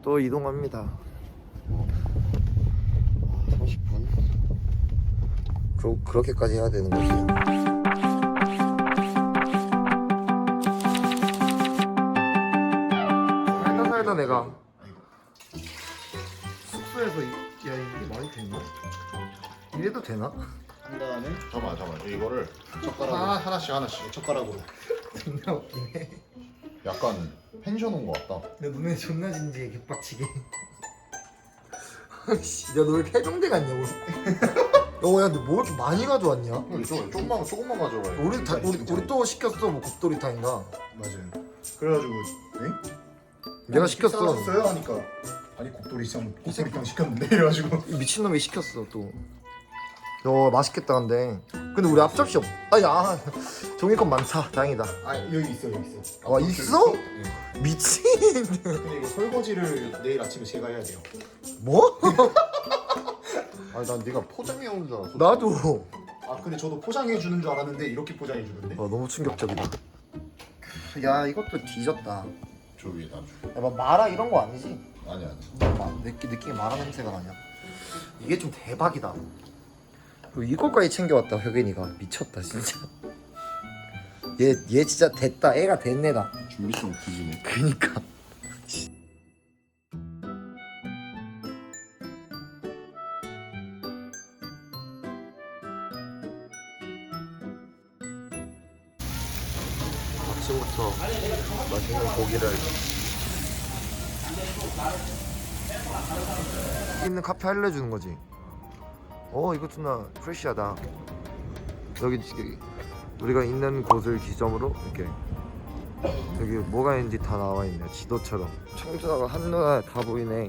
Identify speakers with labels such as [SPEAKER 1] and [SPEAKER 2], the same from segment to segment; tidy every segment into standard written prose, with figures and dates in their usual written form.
[SPEAKER 1] 또 이동합니다. 30분? 그렇게까지 해야 되는 거지. 살다 내가 숙소에서 야 이게 말이 되나? 이래도 되나?
[SPEAKER 2] 한 다음에 잠깐만 이거를 젓가락으로 하나씩 젓가락으로.
[SPEAKER 1] 존나 웃기네.
[SPEAKER 2] 약간 펜션 온 것 같다.
[SPEAKER 1] 내 눈에 존나 진지해 개빡치게. 씨, 야 너 왜 이렇게 해병대 갔냐고. 야, 근데 뭐 이렇게 많이 가져왔냐?
[SPEAKER 2] 조금만 가져가.
[SPEAKER 1] 우리 또 시켰어 뭐 곱돌이탕인가?
[SPEAKER 2] 맞아요. 그래가지고
[SPEAKER 1] 내가 시켰어.
[SPEAKER 2] 식사하셨어요? 하니까 아니 곱돌이탕 시켰는데 이래가지고
[SPEAKER 1] 미친놈이 시켰어 또. 야 맛있겠다 근데 우리 앞접시 없. 아야 종이컵 많다. 다행이다.
[SPEAKER 2] 아 여기 있어.
[SPEAKER 1] 와 있어?
[SPEAKER 2] 네.
[SPEAKER 1] 미친.
[SPEAKER 2] 근데 이거 설거지를 내일 아침에 제가 해야 돼요.
[SPEAKER 1] 뭐?
[SPEAKER 2] 아니 난 네가 포장해 오는 줄 알았어.
[SPEAKER 1] 나도.
[SPEAKER 2] 아 근데 저도 포장해 주는 줄 알았는데 이렇게 포장해 주는데.
[SPEAKER 1] 너무 충격적이다. 야 이것도 뒤졌다.
[SPEAKER 2] 저 위에다 줘.
[SPEAKER 1] 야 막 마라 이런 거 아니지?
[SPEAKER 2] 아니.
[SPEAKER 1] 느낌이 마라 냄새가 나냐? 이게 좀 대박이다. 그리고 이거까지 챙겨왔다 혁인이가. 미쳤다 진짜. 얘 진짜 됐다. 애가 됐네다.
[SPEAKER 2] 준비성 뒤지네.
[SPEAKER 1] 그니까. 아침부터 맛있는 고기를 있는 카페 알려주는 거지. 이거 존나 프레시하다. 여기 우리가 있는 곳을 기점으로 이렇게 여기 뭐가 있는지 다 나와 있네. 지도처럼. 청주가 한눈에 다 보이네.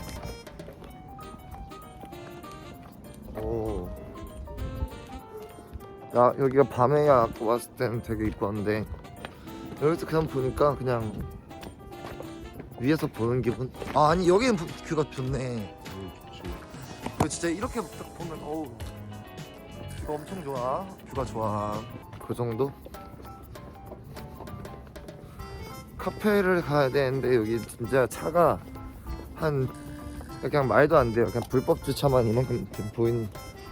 [SPEAKER 1] 오. 야 여기가 밤에야 왔을 때는 되게 이뻤는데 여기서 그냥 보니까 그냥 위에서 보는 기분. 아니 여기는 뷰가 좋네. 그 진짜 이렇게 딱 보면 뷰가 엄청 좋아. 뷰가 좋아. 그 정도? 카페를 가야 되는데 여기 진짜 차가 한 그냥 말도 안 돼요. 그냥 불법 주차만 이만큼 보이는.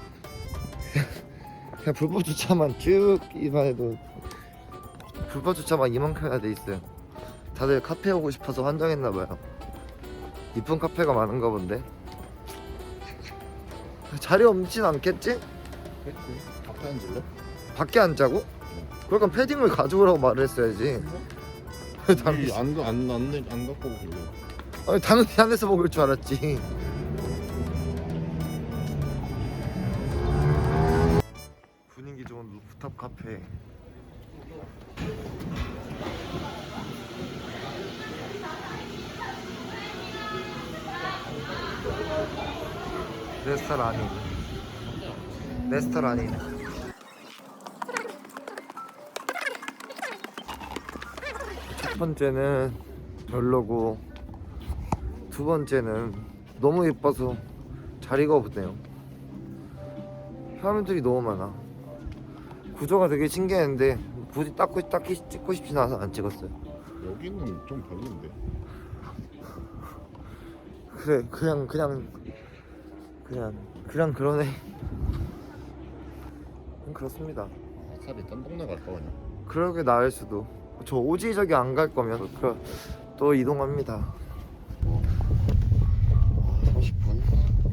[SPEAKER 1] 그냥 불법 주차만 쭉 이만 해도 불법 주차만 이만큼 해야 돼 있어요. 다들 카페 오고 싶어서 환장했나봐요. 이쁜 카페가 많은가 본데. 자리 없진 않겠지?
[SPEAKER 2] 앞에 앉을래?
[SPEAKER 1] 밖에 앉자고? 그러니까 패딩을 가져오라고 말을 했어야지. 당연히
[SPEAKER 2] 안 갖고 오길래.
[SPEAKER 1] 아니 당연히 안에서 먹을 줄 알았지. 분위기 좋은 루프탑 카페. 레스토랑이 첫 번째는 별로고 두 번째는 너무 예뻐서 자리가 없네요. 사람들이 너무 많아. 구조가 되게 신기했는데 굳이 딱히 찍고 싶진 않아서 안 찍었어요.
[SPEAKER 2] 여기는 좀 별론데.
[SPEAKER 1] 그래 그냥 그러네. 그렇습니다.
[SPEAKER 2] 차라리 딴 동네 갈까 그냥.
[SPEAKER 1] 그러게 나을 수도. 저 오지 저기 안 갈 거면 또 이동합니다. 30분?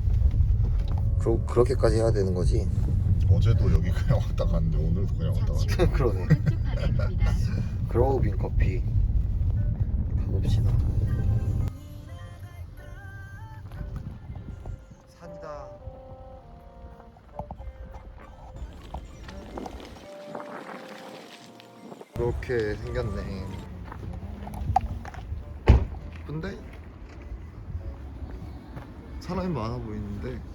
[SPEAKER 1] 그렇게까지 해야 되는 거지?
[SPEAKER 2] 어제도 여기 그냥 왔다 갔는데 오늘도 그냥 왔다 갔네.
[SPEAKER 1] 그러네. 그로우빈 커피 가봅시다. 산이다. 이렇게 생겼네. 근데 사람이 많아 보이는데